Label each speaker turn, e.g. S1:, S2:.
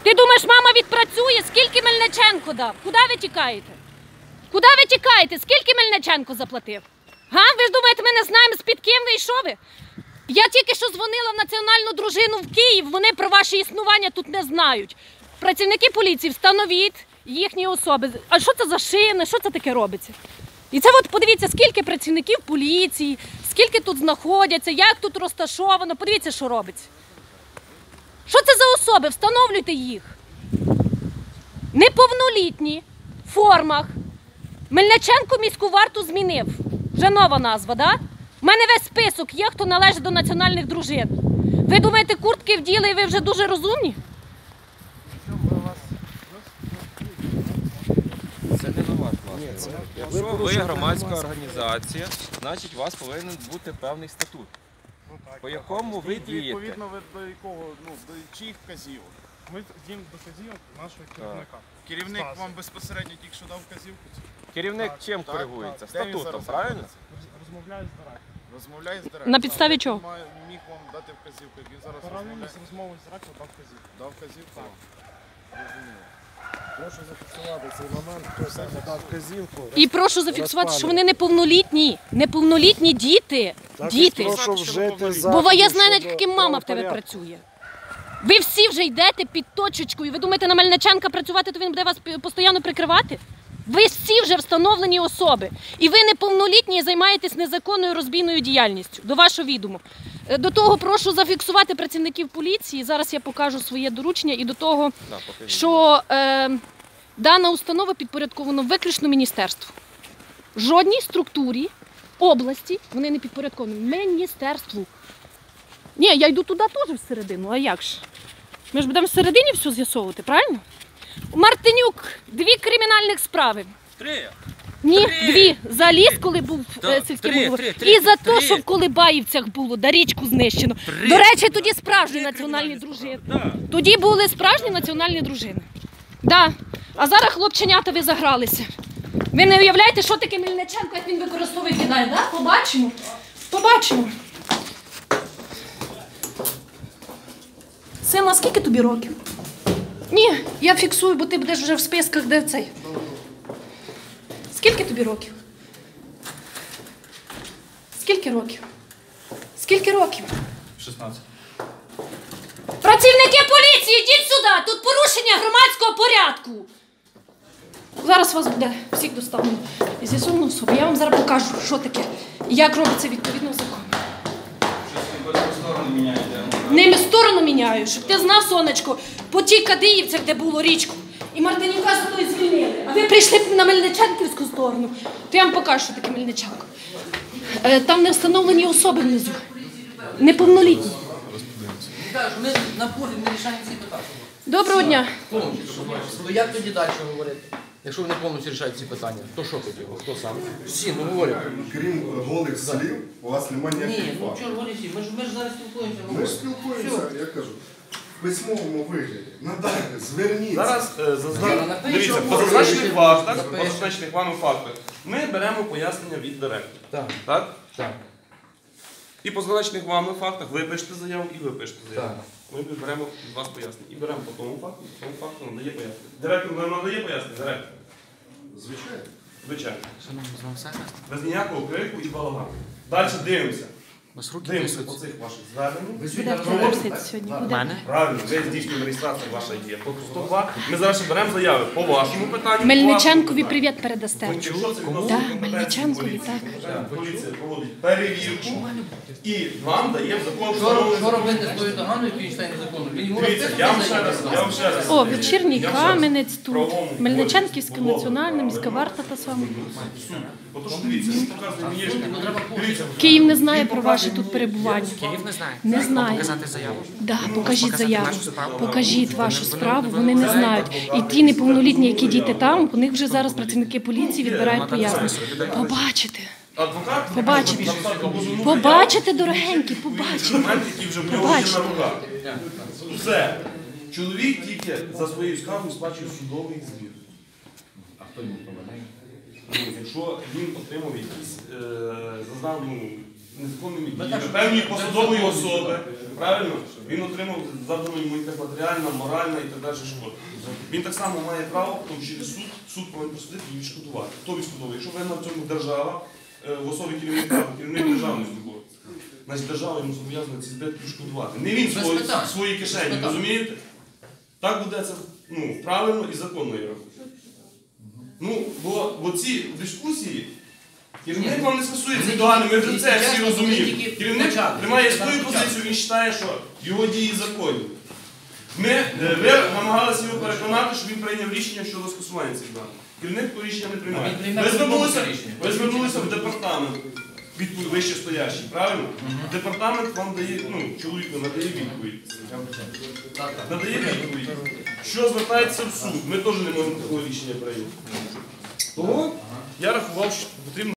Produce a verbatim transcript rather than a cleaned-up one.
S1: Ти думаєш, мама відпрацює? Скільки Мельниченко дав? Куди ви тікаєте? Куди ви тікаєте? Скільки Мельниченко заплатив? Га? Ви ж думаєте, ми не знаємо, з-під ким ви і що ви? Я тільки що дзвонила в національну дружину в Київ, вони про ваше існування тут не знають. Працівники поліції, встановіть їхні особи. А що це за шини? Що це таке робиться? І це от подивіться, скільки працівників поліції, скільки тут знаходяться, як тут розташовано. Подивіться, що робиться. Що це за особи? Встановлюйте їх. Неповнолітні, в формах. Мельниченко міську варту змінив. Вже нова назва, так? Да? У мене весь список є, хто належить до національних дружин. Ви думаєте, куртки вділи і ви вже дуже розумні?
S2: Це не на ваш власний. Якщо ви громадська організація, значить у вас повинен бути певний статут. По якому ви дієте?
S3: Відповідно, ви до якого, ну, до чиїх вказівок?
S4: Ми діємо до вказівок нашого керівника.
S3: Керівник вам безпосередньо тільки що дав вказівку?
S2: Керівник чим коригується? Статутом, правильно?
S4: Розмовляю з директором.
S3: Розмовляє з директором.
S1: На підставі чого?
S3: Він міг вам дати вказівку, як він зараз
S4: Паралельно
S3: розмовляє.
S4: з розмовою з директором дав вказівку.
S3: Дав вказівку? Розуміло.
S5: Прошу зафіксувати цей момент, хто саме дав вказівку.
S1: І прошу зафіксувати, що вони неповнолітні. Неповнолітні діти. Діти.
S5: Прошу вжити
S1: Бо я
S5: заходів
S1: знаю, навіть
S5: щодо
S1: яким мама в тебе
S5: правопорядку.
S1: працює. Ви всі вже йдете під точечкою. Ви думаєте, на Мельниченка працювати, то він буде вас постійно прикривати? Ви всі вже встановлені особи. І ви неповнолітні і займаєтесь незаконною розбійною діяльністю. До вашого відому. До того прошу зафіксувати працівників поліції. Зараз я покажу своє доручення. І до того, що е, дана установа підпорядкована виключно міністерству. Жодній структурі області вони не підпорядковані. Міністерству. Ні, я йду туди теж всередину, а як ж? Ми ж будемо всередині все з'ясовувати, правильно? У Мартинюк дві кримінальних справи.
S2: Три.
S1: Ні,
S2: Три.
S1: дві. За ліс, коли був
S2: Да,
S1: е, сільським
S2: три,
S1: головою.
S2: три, три,
S1: І за
S2: три.
S1: те, що в Колибаївцях було, да річку знищено.
S2: Три.
S1: До речі, тоді справжні національні дружини.
S2: Да.
S1: Тоді були справжні національні дружини. Да. А зараз хлопченята ви загралися. Ви не уявляєте, що таке Мельниченко, як він використовує кидає, да? Побачимо. Побачимо. Сина, скільки тобі років? Ні, я фіксую, бо ти будеш вже в списках, де цей. Скільки тобі років? Скільки років? Скільки років?
S4: шістнадцять.
S1: Працівники поліції, йдіть сюди! Тут порушення громадського порядку. Зараз вас буде всіх доставлено і з'ясовано особу. Я вам зараз покажу, що таке і як робиться відповідно в законі. Не сторону міняю, щоб ти знав, сонечко, по тій Кадиївцях, де було річку, і Мартинюка за той звільнили. А ви прийшли на Мельниченківську сторону, то я вам покажу, що таке Мельниченко. Е, Там не встановлені особи внизу. Неповнолітні.
S6: Ми на полі не рішаємо ці питання.
S1: Доброго дня.
S6: То як тоді далі говорити? Якщо ви не повністю рішаєте ці питання, то що тоді? Хто сам? Всі, ну говорять.
S7: Крім голих слів, у вас немає
S6: Ні,
S7: ніяких
S6: ну
S7: фактів.
S6: чого говорити всі? Ми ж, ми ж зараз спілкуємося.
S7: Ми ж спілкуємося, я кажу, в письмовому вигляді. Надайте, зверніться.
S8: Зараз е, зазна...
S6: Напишемо.
S8: дивіться, по зазначених фактах, по
S6: Запишемо.
S8: зазначених вами фактах, ми беремо пояснення від директора.
S6: Так,
S8: Так?
S6: так.
S8: І по зазначених вами фактах ви пишете заяву і ви пишете заяву.
S6: Так.
S8: Ми беремо від вас пояснення. І беремо по тому факту, по тому факту надає пояснення. Директор нам надає пояснення? Директор.
S7: Звичайно.
S8: Звичайно.
S6: Шановні, з вами все гаразд?
S8: Без ніякого крику і балагану. Далі дивимося.
S6: У вас руки
S8: Дивимося по
S6: трясуться.
S8: цих ваших зверненнях.
S6: Ви
S1: Буде
S6: звідти
S1: переписати сьогодні. Буде.
S8: Правильно, ви здійснюєте реєстрацію, ваша є. По сто два. Ми зараз ще беремо заяви по вашому питанню. по
S1: Мельниченкові
S8: вашому
S1: привіт передасте.
S8: питанню. Якщо це відносно
S1: Так,
S8: компетенції
S1: Мельниченкові,
S8: поліції,
S1: так.
S8: поліція проводить перевірку і вам дає в закон
S6: Що, роб- що
S8: встановлений.
S6: робити з тою доганою, який читає незаконно? Він йому
S8: Дивіться, я вам ще раз, я вам ще раз.
S1: О, вечірній
S8: Я вам ще раз.
S1: Кам'янець тут.
S8: Правовому
S1: Мельниченківська
S8: полі,
S1: національна
S8: умови,
S1: міська варта та сама.
S8: Бо то, що дивіться, він показує мені, що дивіться.
S1: Київ не знає про ваше тут перебування.
S9: Київ не знає.
S1: Не знає.
S9: Показати заяву.
S1: Да, покажіть
S9: Показати
S1: заяву.
S9: нашу справу.
S1: Покажіть вашу
S9: Вони-
S1: справу,
S9: вони-
S1: вони не
S9: вони
S1: знають. І ті неповнолітні, які діти там, у них вже зараз працівники поліції відбирають пояснення. Побачите.
S8: Адвокат
S1: Побачите.
S8: написати позовну
S1: Побачите, дорогенькі, побачите.
S8: документи, які вже в нього є
S1: Побачите.
S8: на руках. Все. Чоловік тільки за своєю скаргою сплачує судовий збір. А хто йому помагає? Якщо він отримав якісь, е, зазнав, ну, незаконними
S6: Ну,
S8: діями
S6: так,
S8: певні
S6: що-
S8: посадової
S6: так,
S8: особи, правильно? Він отримав завдану йому якась матеріальна, моральна і так далі шкода. Він так само має право потім через суд, суд повинен просудити і відшкодувати. Хто відшкодовує? Якщо винна в цьому держава, е, в особі керівника, керівник державної служби, значить держава йому зобов'язана ці збитки відшкодувати. Не він
S6: Без
S8: свої,
S6: питань.
S8: свої
S6: Без
S8: кишені,
S6: питань.
S8: розумієте? Так буде це ну, правильно і законно, я рахую. Ну, бо, бо ці дискусії, керівник вам не скасує ці догані, ми вже це всі розуміємо. Керівник тримає свою позицію, він вважає, що його дії законні. Ми, е, ви намагалися його переконати, що він прийняв рішення щодо скасування цих даних. Керівник такого рішення не приймає.
S6: Він прийме
S8: Ви
S6: по-другому
S8: звернулися,
S6: рішення.
S8: ви звернулися в департамент, відповідь вищестоящий, правильно? Департамент вам дає, ну, чоловіку надає відповідь.
S6: Так, так.
S8: Надає відповідь. Що звертається в суд, ми теж не можемо такого рішення прийняти. Того я рахував, що потрібно